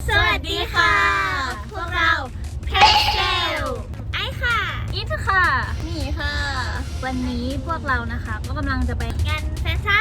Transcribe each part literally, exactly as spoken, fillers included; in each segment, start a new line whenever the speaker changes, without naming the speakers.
สวัสดีค่ะพวกเราเพชรเจลไอค่ะอิทค่ะนี่ค่ะวันนี้พวกเรานะคะก็กำลังจะไปงานแฟชั่น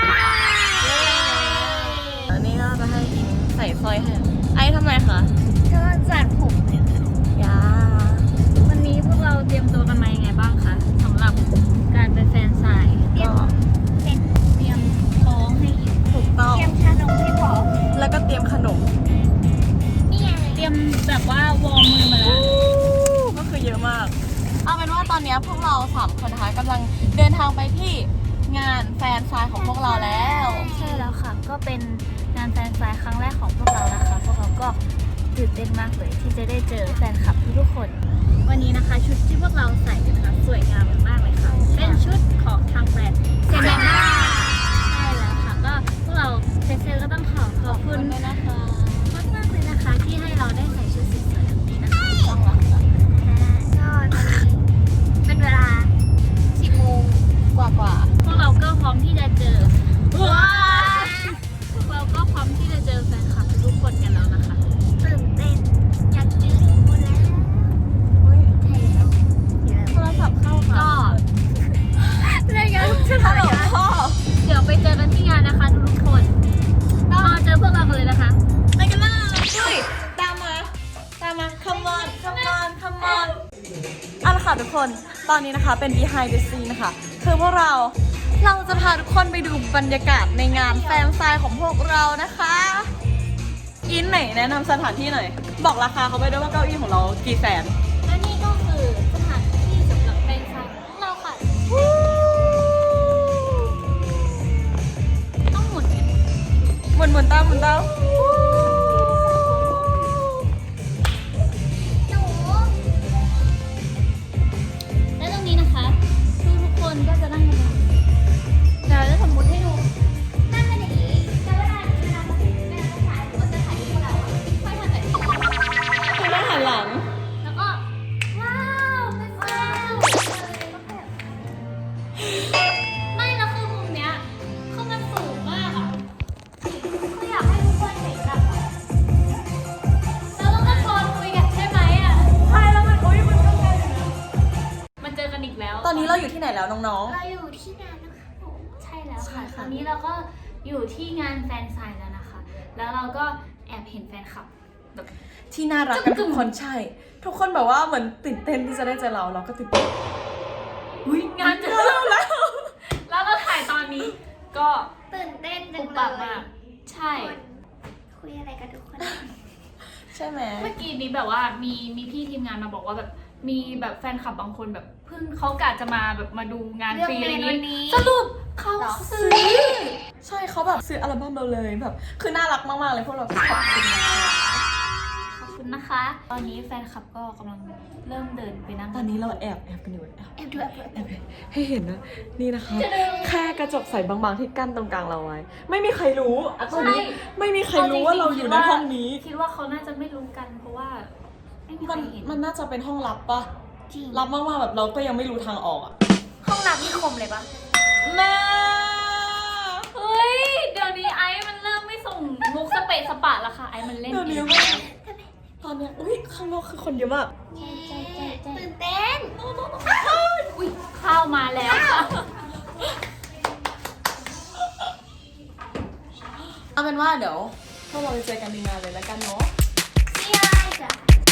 อันนี้ก็จะให้อิงใส่สร้อยให้ไอ้ทำไมคะ
ก็จัดผมเนี่ยค่ะ
ยา
วันนี้พวกเราเตรียมตัวกันมายังไงบ้างคะสำหรับการเป็นแฟนสายเตรียมเป็นเตรียมท้องให้อิท
ถูกต้อง
เตรียมชานมให้พร้อม
แล้วก็เตรียมขนม
นี่ไงเตรียมแบบว่าวอร์มมือมาแล้ว
ก็คือเยอะมาก เอาเป็นว่าตอนนี้พวกเราสามคนนะคะกำลังเดินทางไปที่งานแฟนซายของพวกเราแล้ว
ใช่แล้วค่ะก็เป็นงานแฟนซายครั้งแรกของพวกเรานะคะ พวกเราก็ตื่นเต้นมากเลยที่จะได้เจอแฟนคลับทุกๆคน วันนี้นะคะชุดที่พวกเราใส่นะคะสวยงามมากเลยค่ะเป็นชุดของทางแบรนด์เซเนน่าใช่แล้วค่ะก็พวกเราเซเซก็ต้องขอขอบคุณ
ด้วยนะคะ
มากมากๆเลยนะคะที่ให้เราได้ใส่ชุดสวยๆแบบนี้นะคะ
ต้องหลังจาก
ก็ตอนนี้เป็นเวลาสิบโมง
กว่ากว่า
พวกเราก็พร้อมที่จะเจอว้าพวกเราก็พร้อมที่จะเจอแฟนคลับทุกคนกันแล้วนะคะตื่นเต้นอยากเจอทุกคนแล้ว
เฮ้ย
ใช่แล้ว
โทรศัพท์เข้าค่ะ
ก็รายการ
ฮัลโหลพ่อ
เดี๋ยวไปเจอกันที่งานนะคะทุกๆคนก็เจอพวกเรากันเลยนะคะ
ไปกันเลยเฮ้ยตามมาตามมา come on come on come on เอาละค่ะทุกคนตอนนี้นะคะเป็น behind the scene นะคะคือพวกเราเราจะพาทุกคนไปดูบรรยากาศในงานแฟนซายของพวกเรานะคะอินไหนแนะนำสถานที่หน่อย บอกราคาเขาไปด้วยว่าเก้าอี้ของเรากี่แสน
และนี่ก็คือสถานที่สำหรับแฟนคลับของเราค่ะต้องหมุนกัน
หมุนหมุนเต้าหมุนเต้า
หนูและตรงนี้นะคะทุกทุกๆคนก็จะนั่งกันเดี๋ยวจะสมมติให้ดูนั่งกันอย่างนี้แต่เวลาเวลาเวลาจะถ่ายหรือว่าจะถ่ายรูปเราอะค่อยทำแบบนี้
คือได้หันหลัง
แล้วก็ว้าวเป็นว้าวไม่แล้วคือมุมเนี้ยคือมันสูงมากอ่ะคืออยากให้ทุกคนเห็นแบบเราต้องตะโกนคุยกันใช่ไหมอ่ะ
ใช่แล้วมันโอ้ยมันก็ไกลอยู่นะ
มันเจอกันอีกแล้ว
ตอนนี้เราอยู่ที่ไหนแล้วน้อง
เราอยู่ที่งานนะคะผมใช่แล้ว
ใช่
ค่ะ
ค่ะ
ตอนนี้เราก็อยู่ที่งานแฟนไซน์แล้วนะคะ แล้วเราก็แอบเห็นแฟนคลับแบบ
ๆที่น่ารักกันทุกคนใช่ ทุกคนแบบว่าเหมือนตื่นเต้นที่จะได้เจอเราเราก็ตื่นเต้น
อุ้ยงานเจอ
เราแล้ว
แล้วเราถ่ายตอนนี้ก็
ตื่นเต้นจั
ปุ
ง
บ
เล
ปับ
ย
มากใช่
คุยอะไรกันทุกคน
ใช่ไหม
เมื่อกี้นี้แบบว่ามีมีพี่ทีมงานมาบอกว่าแบบมีแบบแฟนคลับบางคนแบบเพิ่งเขากะจะมาแบบมาดูงานฟรีอะไรอย่าง
เลือกเมนวันนี้
นี้สรุปเขาซื้อ
ใช่เขาแบบซื้ออัลบั้มเราเลยแบบคือน่ารักมากๆเลยพวกเราขอบคุณนะคะ
ขอบคุณนะคะ ตอนนี้แฟนคลับก็กำลังเริ่มเดินไปนั่ง
ตอนนี้เราแอบแอบกันอยู่แอบ
แอบดูแอบดูแอบดู
ให้เห็นนะนี่นะคะ แค่กระจกใสบางๆที่กั้นตรงกลางเราไว้ ไม่มีใครรู้อ่ะตอนนี้ไม่มีใครรู้ว่าเราอยู่ในห้องนี้
คิดว่าเขาน่าจะไม่รู้กันเพราะว่าไม่มีใค
มั
ร
น
เห็น
มันน่าจะเป็นห้องลับปะ
จริง
ลับมากๆแบบเราก็ยังไม่รู้ทางออกอ่ะ
ห้องน้ำนี่คมเลยปะ
แม่
เฮ้ยเดี๋ยวนี้ไอ้มันเริ่มไม่ส่งมุกสเปะสปะแล้วค่ะไอ้มันเล่น
เดี๋ยว
เอ
นี้
ง
ว่าตอนเนี้ยอุ้ยข้างนอกคือคนเยอะมาก
เย้ตื่นเต้น
อุ้ยข้าวมาแล้วค่ะ
เอาเป็นว่าเดี๋ยวพวกเราไปเจอกันในงานเลยแล้วกันเนาะ
See you later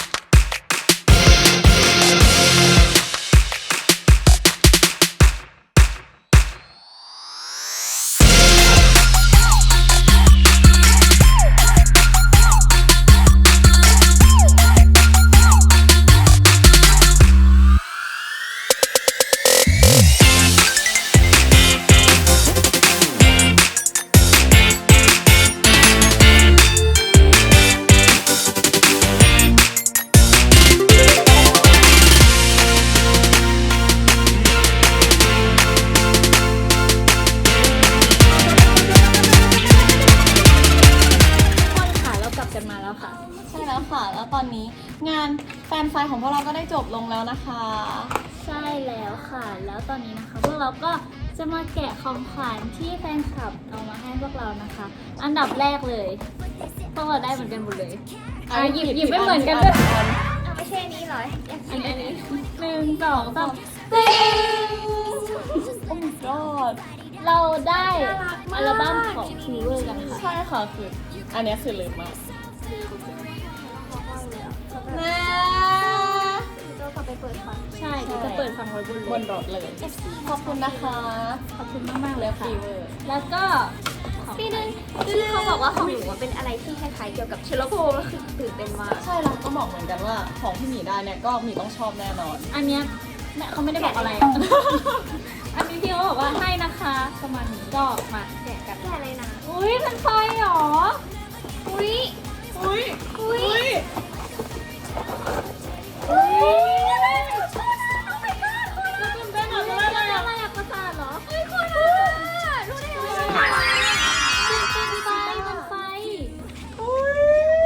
กันมาแล้วค่ะ
ใช่แล้วค่ะ แล้วตอนนี้งานแฟนไฟของพวกเราก็ได้จบลงแล้วนะคะ
ใช่แล้วค่ะ แล้วตอนนี้นะคะพวกเราก็จะมาแกะของขวัญที่แฟนคลับเอามาให้พวกเรานะคะ อันดับแรกเลยพวกเราได้เหมือนกันหมดเลยอ่ะหยิบหยิบไม่เหมือนกันด้วย
เอาไม่ใช่นี้เหรออยาก
อั
กิ
น
น
นี้
อันนี้
หนึ่งสองสามตึ้ง
โอ้ my god
เราได้อัลบั้มของทีเวอร์กันค่ะ
ใช่ค่ะคืออันเนี้ยคือลืมมากแม่
เรากลับไปเปิดฟัง
ใช่เดี๋ยวจะเปิดฟังไว้บน
บนรถเลย ขอบคุณนะคะ
ขอบคุณมากๆเลยค่ะ
ฟีเวอร์
แล้วก็ของ
ปีนึงคือเขาบอกว่าของหนูว่าเป็นอะไรที่คล้ายๆเกี่ยวกับเชลโลโคก็คือตื่นเต้นมาก
ใช่เราก็บอกเหมือนกันว่าของที่หมีได้เนี่ยก็หมีต้องชอบแน่นอน
อันเนี้ยแม่เขาไม่ได้บอกอะไร อันนี้พี่เขาบอกว่าให้นะคะประมาณนี้ก็มาแกะกัน
แค่อะไรนะ
อุ้ยเป็นไฟเหรอ
อุ้ย
อุ้ย
อุ้ย
อุ้ย
อุ้ย
แล้วเป็นเป็นอะไรอะไรอะไรอะประสาทเหรอ
เฮ้ยคุณอ่ะรู้ได้ยังไง
เป็นไฟเป็นไฟ
อุ้ย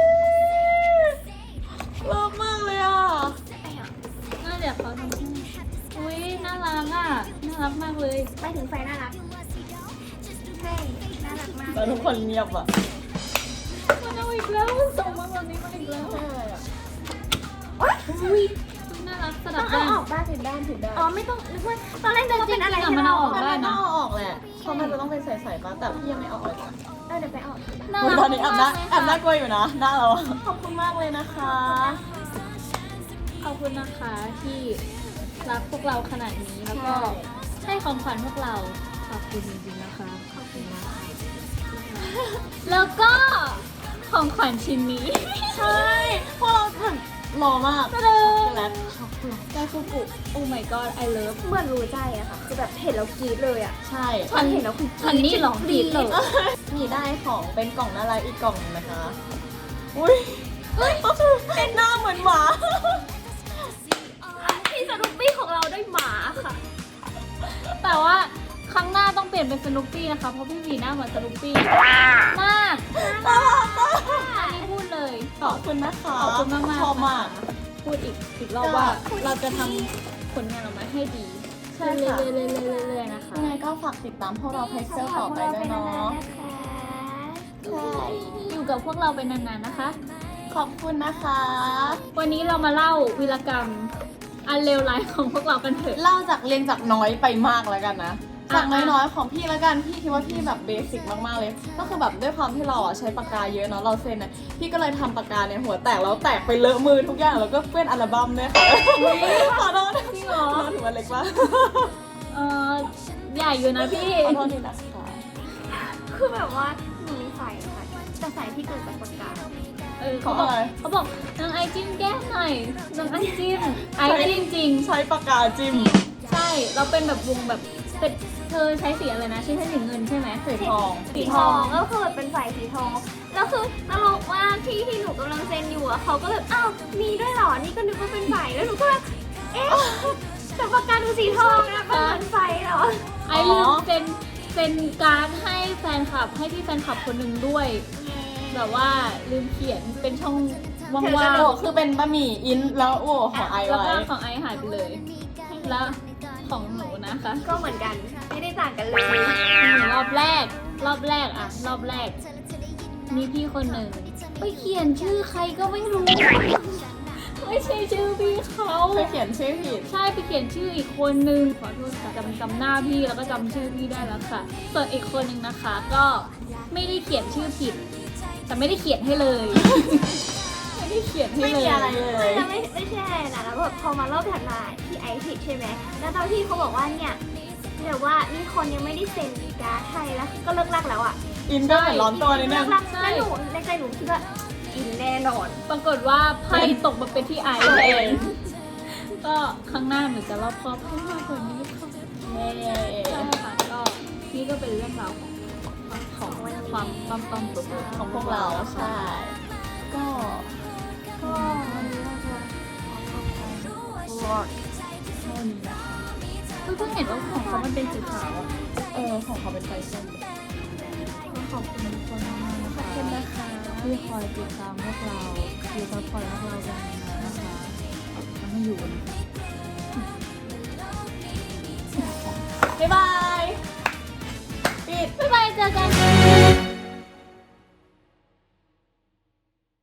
เลิฟมากเลยอ่ะ
น่าเดี๋ยวเขาทำให้อุ้ยน่ารักอ่ะน่ารักมากเลย
ไปถึงไฟน่ารักใช่น่ารักมาก
แล้วทุกคนเงียบอ่ะ
มันเอาอีกแล้วมันส่งมาแบบนี้มาอีกแล้ว
ใช่อ่ะ
อุ้ยน่ารักสลั
ต้
บ
องเอา
ด้าน
ออกบ้าง
ผิดด้านผิดด้าน
อ๋อไม่ต้องนึกว่าตอนแรกนึกว่าเป็นอะไร
จริงๆ
ที่
มัน
เรา
เอา
อ
อ
อ
อก ก
ได้
ได้
มัน
นะ
ต้องเอาออกแหละเพราะมันจะต้องเป็นใสๆมาแต่พี่ยังไม่เอาออกเลย
เออเดี๋ยวไปออก
น่ารัก
ตอนนี้แอบน่าแอบน่า
าก
กลัวอยู่นะหน้าเราขอบคุณมากเลยนะคะ
ขอบคุณนะคะที่รักพวกเราขนาดนี้แล้วก็ให้ของขวัญพวกเราขอบคุณจริงๆนะคะขอบคุณมากค่ะแล้วก็ของขวัญชิ้นนี้
ใช่พวกเราถึงหล่อมาก
ตะลึง
และช็อกโกแลต
ไดฟูกุ Oh my god I love
เหมือนรู้ใจอะค่ะ คือแบบเห็นแล้วกรี๊ดเลยอะ
ใช่
ฉันเห็นแล้วคุณฉันนี่หลงกรีดเลย
มีได้ของเป็นกล่องน่ารักอีกกล่องหนึงนะคะ อุ้ยเฮ้ยเป็นหน้าเหมือนหมา
พี่สนุปปี้ของเราได้หมาค่ะ
แต่ว่าครั้งหน้าต้องเปลี่ยนเป็นสนุปปี้นะคะเพราะพี่วีหน้าเหมือนสนุปปี้มาก
น่ารักมาก
อันนี้พูดเลย
ขอบคุณนะคะ
ขอบคุณมากมาก
ชอบมาก
พูดอีกอีกรอบว่าเราจะทำผลงานออกมาให้ดี
ใช่
เรื่
ค่ะ
อยๆเรื่อยๆเรื่อยๆนะคะ
ยังไงก็ฝากติดตามพวกเราเพจเซลต่อไปด้วยเนาะ ใช่
อยู่กับพวกเราเป็นนานๆนะคะ
ขอบคุณนะคะ
วันนี้เรามาเล่าวีรกรรมอันเลวร้ายของพวกเรากันเถอะ
เล่าจากเรียงจากน้อยไปมากแล้วกันนะ
อ่ะ
จากน้อยๆของพี่แล้วกัน พี่คิดว่าพี่แบบเบสิกมากๆเลย ก็คือแบบด้วยความที่เราอ่ะใช้ปากกาเยอะเนาะ เราเซ็นนะพี่ก็เลยทำปากกาเนี่ยหัวแตกแล้วแตกไปเลอะมือทุกอย่างแล้วก็เปื้อนอัลบั้มด้วยค่ะขอโทษ
จริงเหรอ
ขอโทษถือว่าเล็กมาก
เออใหญ่อยู่นะพี่
ขอโทษทีนะคะ
คือแบบว่าหนูมีไฟค่ะแต่ไฟที่เกิดจากปากกา
เออเขาบอกเขาบอกนางไอจิ้มแก้มหน่อยนางไอจิ้มไอจิ้มจริง
ใช้ปากกาจิ้ม
ใช่ เราเป็นแบบวงแบบเป็นเธอใช้สีอะไรนะใช้สีเงินใช่ไหม
สีทอง
สีทองก็คือเป็นไฟสีทองแล้วคือตลกว่าที่ที่หนูกำลังเซ็นอยู่อะเขาก็แบบอ้าวมีด้วยเหรอนี่ก็นึกว่าเป็นไฟแล้วหนูก็แบบเอ๊ะแต่ปากกาคือสีทองนะมันเหมือนไฟเหรอ
ไอลืมเซ็นเซ็นการ์ดให้แฟนคลับให้พี่แฟนคลับคนหนึ่งด้วย แบบว่าลืมเขียนเป็นช่องว่าง
โอ้คือเป็นบะหมี่อินแล้วโอ้ของไอ
ๆแล้ว
ไว้
ก็ของไอหายไปเลย แล้วของหนูนะคะ
ก็เหมือนกันไม่ได้ต่างกันเลย
หนูรอบแรก รอบแรกอะรอบแรก มีพี่คนหนึ่งไปเขียนชื่อใครก็ไม่รู้ ไม่ใช่ชื่อพี่เขา
ไปเขียนชื่อผิด
ใช่ไปเขียนชื่ออีกคนนึงขอโทษค่ะจำจำหน้าพี่แล้วก็จำชื่อพี่ได้แล้วค่ะส่วนอีกคนนึงนะคะ ก็ไม่ได้เขียนชื่อผิด แต่ไม่ได้เขียนให้เลย ไม่ได้เขียนให้
ไม่
เล
มี
ย
อะไรเลย
ไม่ไม่ไม่ใช่อะไรนะแล้วแบบพอมารอบถัดมาที่ไอซ์ผิดใช่ไหมแล้วตอนที่เขาบอกว่าเนี่ยเดี๋ยวว่ามีคนยังไม่ได้เซ็นการ์ดให้แล้วก็เลิกลักแล้วอ่ะ
อินก็เหมือนร้อนตัวนิดนึ
เลิ
ง
กลักแล้วหนูในใจหนูคิดว่าอินแน่นอน
ปรากฏว่าไพ่ตกมาเป็นที่ไอซ์เองก็ครั้งหน้าหนูจะรอบคอบให้มากกว่านี้ค่ะ
เย้
ใช่ค่ะก็นี่ก็เป็นเรื่องราวของของความความต้อมตัว
ของพวกเราใช่ ก็
ก็วันนี้เราจะขอขอบคุณแค่นี้นะคะเพิ่งเห็นว่าของเขามันเป็นสีขาวอะ
เออของเขาเป็นไฟส้ม
ก็ขอบคุณทุกคนมากๆนะคะ
ขอบคุณนะคะ
ที่คอยติดตามพวกเราคือซัพพอร์ตพวกเรากันนะคะมันไม่อยู่
บ๊ายบายปิด
บ๊ายบายเจอกัน